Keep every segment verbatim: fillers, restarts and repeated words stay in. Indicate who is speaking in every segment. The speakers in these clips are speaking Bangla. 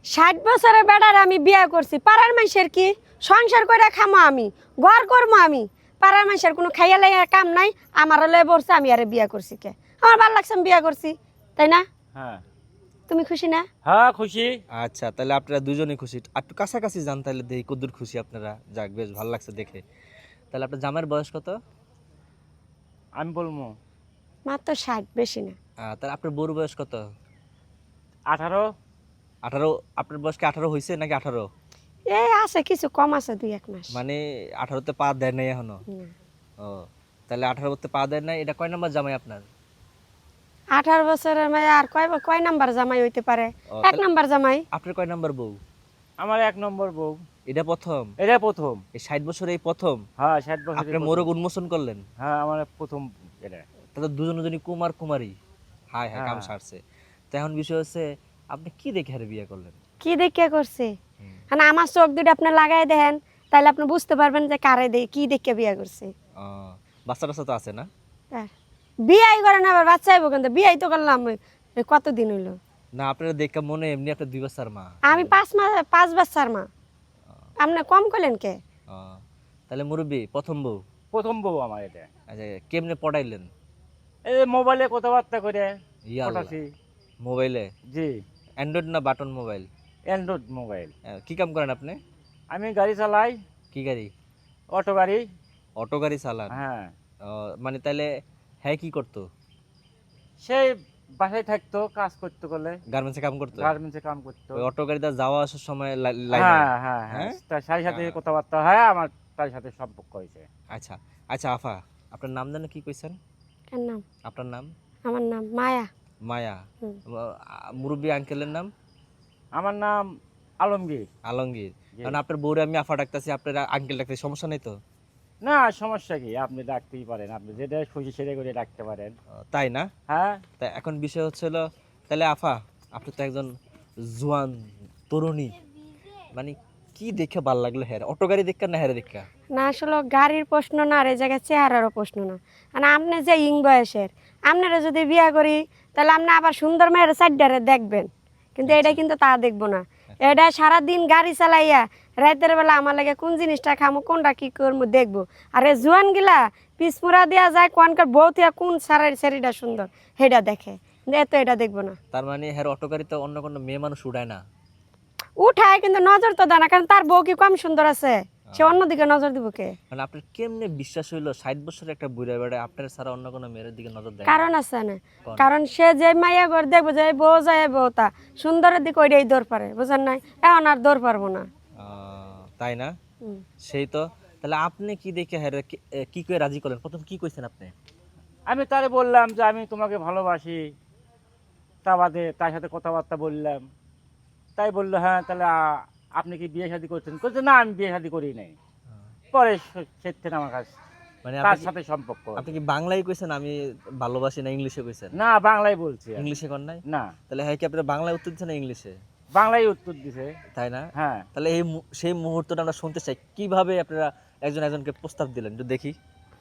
Speaker 1: ষাট বছরের বেড়ার আমি বিয়ে করছি, পাড়ার মানুষের কি সংসার করে খামো আমি, ঘর করবো আমি, পাড়ার মানুষের কোনো খাইয়া লাইয়া কাম নাই, আমার লয়ে বলছে আমি আরে বিয়ে করছি কে, আমার ভালো লাগছে আমি বিয়ে করছি, তাই না?
Speaker 2: হ্যাঁ
Speaker 1: তুমি খুশি না?
Speaker 2: হ্যাঁ খুশি।
Speaker 3: আচ্ছা, তাহলে আপনারা দুজনেই খুশি। আর একটু কাছাকাছি যান তাহলে দেখি কদ্দুর খুশি আপনারা। যাক, বেশ ভালো লাগছে দেখে। তাহলে আপনার জামাইয়ের বয়স কত?
Speaker 2: আমি বলবো
Speaker 1: মাত্র ষাট, বেশি না।
Speaker 3: আহ, তাহলে আপনার বউর বয়স কত?
Speaker 2: আঠারো।
Speaker 3: আঠারো? আপনার বয়স কি আঠারো হয়েছে নাকি আঠারো?
Speaker 1: এই আছে কিছু কম আছে, দুই এক মাস।
Speaker 3: মানে আঠারোতে পা দেয় নাই এখনো?
Speaker 1: না।
Speaker 3: ও, তাহলে আঠারোতে পা দেয় নাই। এটা কয় নাম্বার জামাই আপনার?
Speaker 1: আঠারো বছরের মেয়ে আর কয় কয় নাম্বার জামাই হইতে পারে?
Speaker 3: ও,
Speaker 1: এক
Speaker 3: তাহলে
Speaker 1: নাম্বার জামাই।
Speaker 3: আপনার কয় নাম্বার বউ?
Speaker 2: আমার এক নম্বর বউ।
Speaker 3: এটা প্রথম?
Speaker 2: এটা প্রথম।
Speaker 3: এই ষাট বছরে এই প্রথম
Speaker 2: হ্যাঁ ষাট বছর।
Speaker 3: আপনি মোরগ উন্মোচন করলেন?
Speaker 2: হ্যাঁ আমার প্রথম এটা।
Speaker 3: তাহলে দুজন দুজনই কুমার কুমারী। হায় হায়, কাম
Speaker 2: হ্যাঁ।
Speaker 3: সারছে। তো এখন বিষয় হচ্ছে আপনি কি দেখে হারে বিয়ে করলেন?
Speaker 1: কি দেখে করছে?
Speaker 3: হুম।
Speaker 1: মানে আমার চোখ দুটো আপনি লাগাই দেন, তাহলে আপনি বুঝতে পারবেন যে কারে দে কি দেখে বিয়ে করছে।
Speaker 3: ও, বাচ্চা টাচ্চা তো আছে না?
Speaker 1: হ্যাঁ। বিয়াই করেন আবার বাচ্চা আইব, কিন্তু বিয়াই তো করলাম এই কতদিন হইলো।
Speaker 3: না, আপনারা দেখে মনে এমনি আপনার দুই বাচ্চার মা।
Speaker 1: আমি পাঁচ মাস পাঁচ বাচ্চার মা। আপনি কম করলেন কে?
Speaker 3: ও, তাহলে মুরব্বী প্রথম বউ।
Speaker 2: প্রথম বউ আমার এটা।
Speaker 3: আচ্ছা, কেমনে পড়াইলেন?
Speaker 2: এই যে মোবাইলে কথাবার্তা করে
Speaker 3: ইয়া আল্লাহ।
Speaker 2: পটাছি।
Speaker 3: মোবাইলে?
Speaker 2: জি
Speaker 3: অ্যান্ড্রয়েড না বাটন মোবাইল?
Speaker 2: Android mobile.
Speaker 3: আহ, কি কাম করেন আপনি?
Speaker 2: আমি গাড়ি চালাই,
Speaker 3: কি গাড়ি?
Speaker 2: অটো গাড়ি।
Speaker 3: অটো গাড়ি চালান?
Speaker 2: হ্যাঁ।
Speaker 3: ও, মানে তাহলে হ্যাঁ কি করতো?
Speaker 2: সেই বাসায় থাকতো, কাজ করতে করলে
Speaker 3: গার্মেন্টসে কাম করতো?
Speaker 2: গার্মেন্টসে কাম করতো।
Speaker 3: ওই অটো গাড়িতে যাওয়া আসার সময় লাই- লাইনে?
Speaker 2: হ্যাঁ হ্যাঁ হ্যাঁ
Speaker 3: হ্যাঁ?
Speaker 2: তার সাথে সাথে
Speaker 3: হ্যাঁ।
Speaker 2: কথাবার্তা হয়, আমার তার সাথে সম্পর্ক হয়েছে।
Speaker 3: আচ্ছা আচ্ছা আফা, আপনার নাম জানো কি কইছেন?
Speaker 1: কার নাম?
Speaker 3: আপনার নাম?
Speaker 1: আমার নাম মায়া।
Speaker 3: মায়া।
Speaker 1: হুম।
Speaker 3: মুরব্বী আঙ্কেলের নাম?
Speaker 2: আমার নাম আলমগীর।
Speaker 3: আলমগীর।
Speaker 2: জি।
Speaker 3: কারণ আপনার বউরে আমি আফা ডাকতেছি, আপনার আঙ্কেল ডাকতেছি, সমস্যা নেই তো?
Speaker 2: না সমস্যা কি, আপনি ডাকতেই পারেন, আপনি যেটা খুশি সেটা করে ডাকতে পারেন।
Speaker 3: ও, তাই না?
Speaker 2: হ্যাঁ।
Speaker 3: তা এখন বিষয় হচ্ছে হলো, তাহলে আফা আপনি তো একজন জোয়ান তরুণী, মানে কি দেখে ভাল লাগলো হ্যাঁ? অটো গাড়ি দেখা না হ্যাঁ দেখা?
Speaker 1: না আসলে গাড়ির প্রশ্ন না, আর এই জায়গায় চেহারারও প্রশ্ন না। মানে আপনি যে ইং বয়সের, আপনারা যদি বিয়া করি তাহলে আপনি আবার সুন্দর মেয়ের সাইডারে দেখবেন, কিন্তু এটা কিন্তু তা দেখবো না। এটা সারাদিন গাড়ি চালাইয়া রাতের বেলা আমার লাগে কোন জিনিসটা খামো কোনটা কি করবো দেখবো। আর এই জোয়ান গিলা পিসমুরা দেওয়া যায় কোনকার বউ থিয়া কোন সারার শাড়িটা সুন্দর সেটা দেখে, কিন্তু এত এটা দেখবো না।
Speaker 3: তার মানে হ্যাঁ অটো গাড়িতে অন্য কোনো মেয়ে মানুষ উঠায় না?
Speaker 1: উঠায় কিন্তু নজর তো দেয় না, কারণ তার বউ কি কম সুন্দর আছে, সে অন্যদিকে নজর দিব কে?
Speaker 3: মানে আপনার কেমনে বিশ্বাস হইলো ষাট বছরের একটা বুড়া বেড়া আপনার ছাড়া অন্য কোনো মেয়ের দিকে নজর দেয় না?
Speaker 1: কারণ আছে না,
Speaker 3: কোন?
Speaker 1: কারণ সে যে মাইয়া ঘর দেখবো যে বউ যায় বউ তা সুন্দরের দিকে ওইটাই দৌড় পারে, বুঝেন নাই? এখন আর দৌড় পারবো না।
Speaker 3: আহ, তাই না?
Speaker 1: হুম।
Speaker 3: সেই তো। তাহলে আপনি কি দেখে হ্যাঁ রে- কি- এ, কি করে রাজি করলেন? প্রথম কি কইছেন আপনি?
Speaker 2: আমি তারে বললাম যে আমি তোমাকে ভালোবাসি, তা বাদে তার সাথে কথাবার্তা বললাম, তাই বললো হ্যাঁ তাহলে আ- আপনি কি বিয়ে শাদী করছেন? বলছে না আমি বিয়ে শাদী করি নাই। পরে সেদিন আমার কাছে
Speaker 3: মানে
Speaker 2: তার
Speaker 3: আপনি কি-
Speaker 2: সাথে সম্পর্ক।
Speaker 3: আপনি কি বাংলায় কইছেন আমি ভালোবাসি, না ইংলিশে কইছেন?
Speaker 2: না বাংলায় বলছি আমি।
Speaker 3: ইংলিশে কর নাই?
Speaker 2: না
Speaker 3: তাহলে হ্যাঁ কি আপনার বাংলায় উত্তর দিচ্ছেন না ইংলিশে?
Speaker 2: বাংলায় উত্তর দিছে।
Speaker 3: তাই না?
Speaker 2: হ্যাঁ
Speaker 3: তাহলে এই মু- সেই মুহূর্তটা আমরা শুনতে চাই, কিভাবে আপনারা একজন একজনকে প্রস্তাব দিলেন একটু দেখি।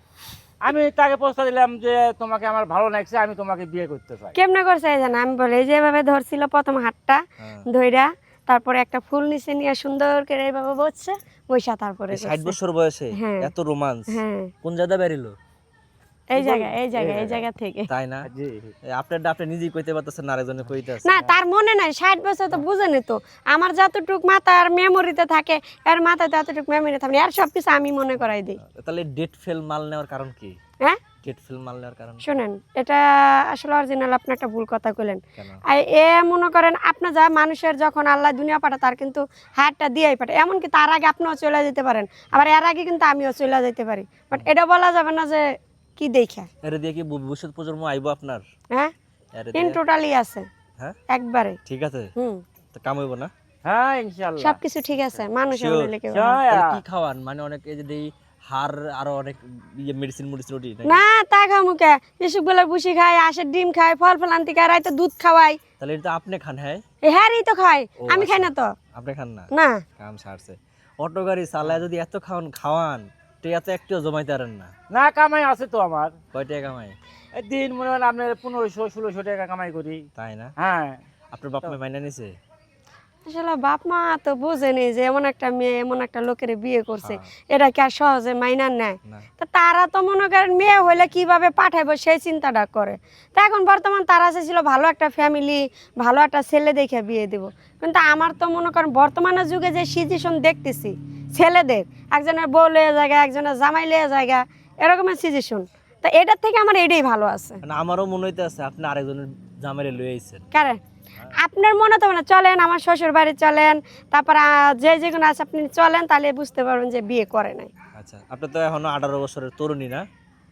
Speaker 2: আমি তাকে প্রস্তাব দিলাম যে তোমাকে আমার ভালো লাগছে, আমি তোমাকে বিয়ে করতে চাই।
Speaker 1: কেমনে করছে এই জানা, আমি বলে এই যেভাবে ধরছিল প্রথম হাতটা
Speaker 3: হ্যাঁ।
Speaker 1: ধইরা, তারপরে একটা ফুল নিচে নিয়ে সুন্দর করে এইভাবে বসছে বৈশা, তারপরে
Speaker 3: এই ষাট
Speaker 1: করছে।
Speaker 3: বছর বয়সে
Speaker 1: হ্যাঁ।
Speaker 3: এত রোমান্স
Speaker 1: হ্যাঁ
Speaker 3: কোন জায়গা বেরিলো?
Speaker 1: এই জায়গা এই জায়গা এই জায়গা থেকে।
Speaker 3: তাই না?
Speaker 2: জি
Speaker 3: আপনার আপনি নিজেই কইতে পারতেছেন না, আরেকজনে কইতে আছে।
Speaker 1: না তার মনে নাই, ষাট বছর তো বুঝেনি তো, আমার যতটুক মাথার মেমোরিতে থাকে এর মাথায় ততটুক মেমোরি থাকে আর সব কিছু আমি মনে করাই দিই।
Speaker 3: তাহলে ডেট ফেল মাল নেওয়ার কারণ কি?
Speaker 1: হ্যাঁ
Speaker 3: ডেট ফেল মাল নেওয়ার কারণ
Speaker 1: শোনেন, এটা আসলে অরিজিনাল আপনি একটা ভুল কথা কইলেন।
Speaker 3: কেন?
Speaker 1: আর এ মনে করেন আপনি যা মানুষের যখন আল্লাহ দুনিয়া পাঠায় তার কিন্তু হাতটা দিয়েই পাঠায়, এমনকি তার আগে আপনিও চলে যেতে পারেন, আবার এর আগে কিন্তু আমিও চলে যেতে পারি, বাট এটা বলা যাবে না যে কি দেখা।
Speaker 3: এর দিয়ে কি ভবিষ্যৎ প্রজন্ম আইবো আপনার?
Speaker 1: হ্যাঁ
Speaker 3: এর
Speaker 1: ইন
Speaker 3: দিয়ে?
Speaker 1: টোটালি আছে
Speaker 3: হ্যাঁ
Speaker 1: একবারে।
Speaker 3: ঠিক আছে,
Speaker 1: হুম
Speaker 3: তো কাম হইব না?
Speaker 2: হ্যাঁ ইনশাআল্লাহ
Speaker 1: সবকিছু ঠিক আছে, মানুষ
Speaker 3: Sure.
Speaker 1: হইলে কেউ
Speaker 2: জয়
Speaker 3: তাহলে
Speaker 2: আ-
Speaker 3: কি খাওয়ান? মানে অনেক এই যে দেই হাড় আরো অনেক ইয়ে মেডিসিন মেডিসিন ওটি নাকি?
Speaker 1: না তা খামুকে এসব বেলার বুসি খাই, আশের ডিম খাই, ফল ফলান্তি খাই, রাইতে দুধ খাওয়াই,
Speaker 3: তাহলে এটা তো আপনি খান? হ্যাঁ
Speaker 1: হ্যারই তো খাই,
Speaker 3: ও,
Speaker 1: আমি খাই
Speaker 3: আচ্ছা।
Speaker 1: না তো।
Speaker 3: আপনি খান না?
Speaker 1: না
Speaker 3: কাম সারছে। অটো গাড়ি চালায় যদি এত খাওয়ান খাওয়ান টিয়া তো একটিও জমাইতে পারেন না।
Speaker 2: না কামাই আছে তো আমার,
Speaker 3: কয় টাকা কামাই?
Speaker 2: এই দিন মনে হয় আপনার পনেরোশো ষোলোশো টাকা কামাই করি।
Speaker 3: তাই না?
Speaker 2: হ্যাঁ
Speaker 3: আপনার বাপ মা মাইনা নিছে?
Speaker 1: আসলে বাপ মা তো বুঝেনি যে এমন একটা মেয়ে এমন একটা লোকের বিয়ে করছে,
Speaker 3: হ্যাঁ।
Speaker 1: এটা কি আর সহজে মাইনার নেয়?
Speaker 3: না
Speaker 1: তো তারা তো মনে করেন মেয়ে হলে কিভাবে পাঠাবো সেই চিন্তাটা করে। তো এখন বর্তমান তারা চেয়েছিল ভালো একটা ফ্যামিলি, ভালো একটা ছেলে দেখে বিয়ে দেব। কিন্তু আমার তো মনে করেন বর্তমানের যুগে যে সিচুয়েশন দেখতেছি ছেলেদের, একজনের বউ লয়ে জায়গা, একজনের জামাই লয়ে জায়গা, এরকমের সিচুয়েশন। তো এটার থেকে আমার এটাই ভালো আছে।
Speaker 3: মানে আমারও মনে হইতে আছে আপনি আরেকজনের জামাইরে লয়ে আইছেন।
Speaker 1: কারণ আপনার মনে তো মানে চলেন আমার শ্বশুর বাড়ি চলেন, তারপর আহ, যে যেগুলো আছে আপনি চলেন, তাহলে বুঝতে পারবেন যে বিয়ে করে নাই।
Speaker 3: আচ্ছা, আপনি তো এখনো আঠারো বছরের তরুণী না?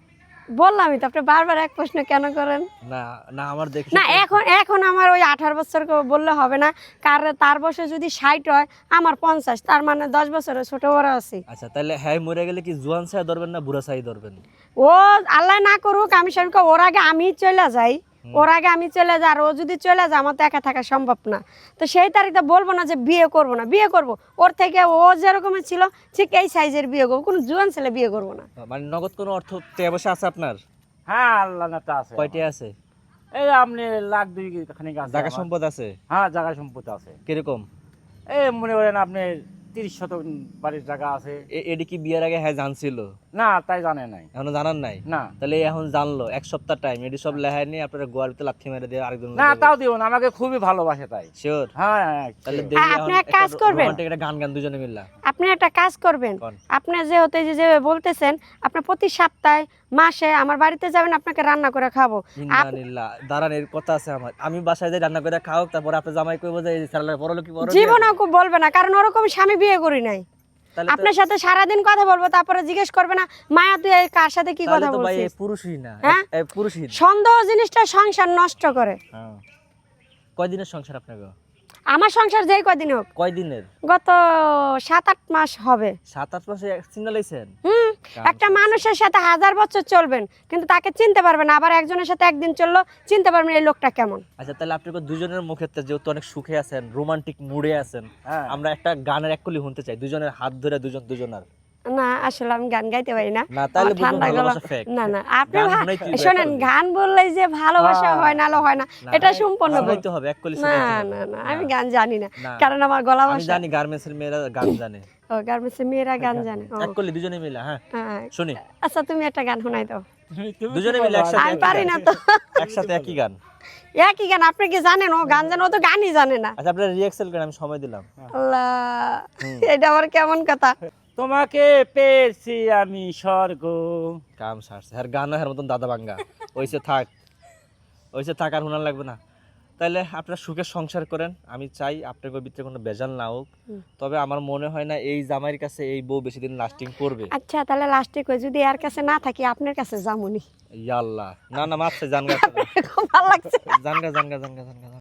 Speaker 1: বললামই তো, আপনি বারবার এক প্রশ্ন কেন করেন?
Speaker 3: না না আমার দেখি
Speaker 1: না এখন এখন আমার ওই আঠারো বছর করে বললে হবে না, কারণ তার বয়সে যদি ষাট হয় আমার পঞ্চাশ, তার মানে দশ বছরের ছোট বড় আছি।
Speaker 3: আচ্ছা, তাহলে হ্যাঁ মরে গেলে কি জোয়ান ছায়া ধরবেন না বুড়া ছাই ধরবেন?
Speaker 1: ও আল্লাহ না করুক, আমি সবকে ওর আগে আমি চলে যাই, ওর আগে আমি চলে যাই, আর ও যদি চলে যায় আমার তো একা থাকা সম্ভব না। তো সেই তারিখে বলবো না যে বিয়ে করবো না, বিয়ে করব। ওর থেকে ও যেরকমের ছিল ঠিক এই সাইজের বিয়ে করবো, কোনো জুয়ান ছেলে বিয়ে করবো না।
Speaker 3: মানে নগদ কোনো অর্থ টাকা পয়সা আছে আপনার?
Speaker 2: হ্যাঁ আল্লাহ না তা আছে
Speaker 3: কয়টি
Speaker 2: আমার।
Speaker 3: আছে?
Speaker 2: এই আপনি লাখ দুই খানিক আছে
Speaker 3: জায়গা
Speaker 2: আমার।
Speaker 3: সম্পদ আছে
Speaker 2: হ্যাঁ জায়গা সম্পত্তি আছে,
Speaker 3: কিরকম?
Speaker 2: এই মনে করেন আপনি তিরিশ শতক বাড়ির জায়গা আছে।
Speaker 3: এ- এডি কি বিয়ের আগে হ্যাঁ জানছিল?
Speaker 2: না তাই জানে নাই।
Speaker 3: এখনো জানার নাই?
Speaker 2: না
Speaker 3: তাহলে এখন জানলো, এক সপ্তাহ টাইম এডি সব লেহাই নিয়ে আপনার গোয়ার ভিতরে লাথি মেরে দিয়ে আরেকজন
Speaker 2: না তাও দিব না, আমাকে খুবই ভালোবাসে তাই।
Speaker 3: শিওর?
Speaker 2: হ্যাঁ হ্যাঁ,
Speaker 3: তাহলে
Speaker 2: sure।
Speaker 3: দেখি
Speaker 1: আপনি
Speaker 3: এখন
Speaker 1: এক কাজ
Speaker 3: একটা
Speaker 1: করবেন।
Speaker 3: romantic একটা গান গান দুজনে মিললা।
Speaker 1: আপনি একটা কাজ করবেন,
Speaker 3: কোন?
Speaker 1: আপনি যেহেতু এই যে যে বলতেছেন আপনি প্রতি সপ্তাহে মাসে আমার বাড়িতে যাবেন, আপনাকে রান্না করে খাবো। আপ-
Speaker 3: ইন্নালিল্লাহ, দাঁড়ান এর কথা আছে আমার। আমি বাসায় যাই রান্না করে খাও, তারপর আপনি জামাই কইবো যে এই সালালে পরলো কি পরলো?
Speaker 1: জীবনেও খুব বলবে না, কারণ ওরকম স্বামী বিয়ে করি নাই।
Speaker 3: তাহলে তো
Speaker 1: আপনার সাথে সারাদিন কথা বলবো, তারপরে জিজ্ঞেস করবে না মায়া তুই এই কার সাথে কি
Speaker 3: তাহলে
Speaker 1: কথা
Speaker 3: তো ভাই এই
Speaker 1: বলছিস?
Speaker 3: পুরুষই না,
Speaker 1: হ্যাঁ?
Speaker 3: এই পুরুষই না।
Speaker 1: সন্দেহ জিনিসটা সংসার নষ্ট করে।
Speaker 3: হ্যাঁ। কয়দিনের সংসার আপনাকে?
Speaker 1: আমার সংসার যেই কদিন হোক,
Speaker 3: কয়দিনের?
Speaker 1: গত সাত আট মাস হবে।
Speaker 3: সাত আট মাসে চিন্তা লাইছেন?
Speaker 1: হুম একটা মানুষের সাথে হাজার বছর চলবেন কিন্তু তাকে চিনতে পারবেন না, আবার একজনের সাথে একদিন চললো চিনতে পারবেন এই লোকটা কেমন।
Speaker 3: আচ্ছা, তাহলে আপনি তো দুজনের মুখের তে যেহেতু অনেক সুখে আছেন, রোমান্টিক মুডে আছেন,
Speaker 2: হ্যাঁ।
Speaker 3: আমরা একটা গানের এক কলি শুনতে চাই, দুজনের হাত ধরে দুজন দুজনার।
Speaker 1: না আসলে আমি গান গাইতে পারি না,
Speaker 3: না, তাহলে
Speaker 1: আমার
Speaker 3: বুঝবো
Speaker 1: ঠান্ডা গলা।
Speaker 3: ভালোবাসা fake।
Speaker 1: না না আপনি
Speaker 3: গান
Speaker 1: ভা-
Speaker 3: শুনাইতেই হবে,
Speaker 1: শোনেন,
Speaker 3: একটা
Speaker 1: গান বললেই যে ভালোবাসা
Speaker 2: হ্যাঁ।
Speaker 1: হয় না লো হয় না,
Speaker 3: না,
Speaker 1: এটা সম্পূর্ণ ভুল।
Speaker 3: শুনাইতে হবে, এক কলি
Speaker 1: না
Speaker 3: শুনাইতে হবে।
Speaker 1: না না আমি গান জানি না,
Speaker 3: না।
Speaker 1: কারণ আমার গলা
Speaker 3: আমি
Speaker 1: ভাষা।
Speaker 3: জানি গার্মেন্টসের মেয়েরা গান জানে।
Speaker 1: ও গার্মেন্টসের মেয়েরা গান জানে। ও,
Speaker 3: এক কলি দুজনে মিলে, হ্যাঁ
Speaker 1: হ্যাঁ।
Speaker 3: শুনি।
Speaker 1: আচ্ছা তুমি একটা গান শোনাই দাও।
Speaker 2: তুমি- তুমি
Speaker 3: দুজনে
Speaker 2: তো
Speaker 3: মিলে
Speaker 2: বলো,
Speaker 3: একসাথে
Speaker 1: আমি
Speaker 3: একই
Speaker 1: পারি
Speaker 3: গান।
Speaker 1: না তো।
Speaker 3: একসাথে একই গান।
Speaker 1: একই গান, আপনি কি জানেন ও গান জানে? ও তো গানই জানে না।
Speaker 3: আচ্ছা, আপনার রিয়াক্সেল করেন, আমি সময় দিলাম।
Speaker 1: আল্লাহ, এটা আবার কেমন কথা?
Speaker 2: তোমাকে পেয়েছি আমি স্বর্গ।
Speaker 3: কাম সারছে আর গান হের মতন দাদা ভাঙ্গা ওইসে থাক, ওইসে থাক, আর শোনার লাগবে না। তাইলে আপনারা সুখে সংসার করেন, আমি চাই আপনার ভিতরে কোনো বেজাল না হোক। তবে আমার মনে হয় না এই জামাইয়ের কাছে এই বউ বেশি দিন লাস্টিং করবে।
Speaker 1: আচ্ছা তাহলে লাস্টে কই, যদি এর কাছে না থাকি আপনার কাছে যামুনি।
Speaker 3: ইয়াল্লাহ, না না মাপছে, জানগা
Speaker 1: খুব ভালো লাগছে।
Speaker 3: জানগা জানগা জানগা জানগা